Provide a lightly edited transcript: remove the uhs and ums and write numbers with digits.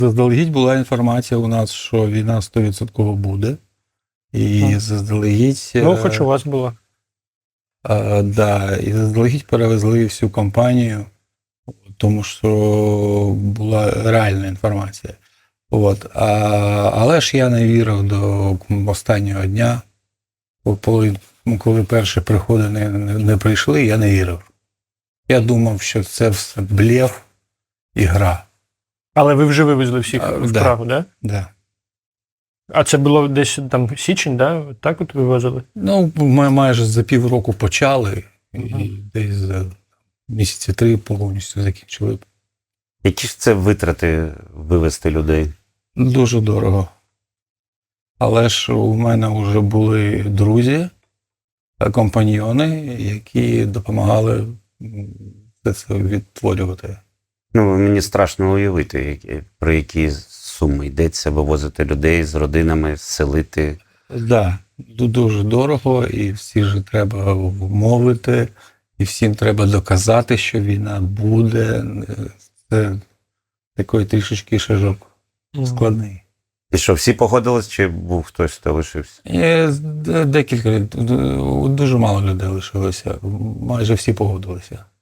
Заздалегідь була інформація у нас, що війна 100% буде. І заздалегідь... Ну, хоч у вас була. Да, і заздалегідь перевезли всю компанію, тому що була реальна інформація. Але ж я не вірив до останнього дня. Коли перші приходи не прийшли, я не вірив. Я думав, що це все блеф і гра. Але ви вже вивезли всіх в Прагу, так? Да. А це було десь там січень, да? Так от вивозили? Ну, ми майже за півроку почали, і десь за місяці 3 повністю закінчили. Які ж це витрати вивезти людей? Дуже дорого. Але ж у мене вже були друзі, компаньйони, які допомагали це відтворювати. Ну, мені страшно уявити, про які суми йдеться, вивозити людей з родинами, селити. Так, да, дуже дорого, і всіх же треба вмовити, і всім треба доказати, що війна буде. Це такий трішечки шажок складний. І що, всі погодились, чи був хтось, хто лишився? Декілька, дуже мало людей лишилося, майже всі погодилися.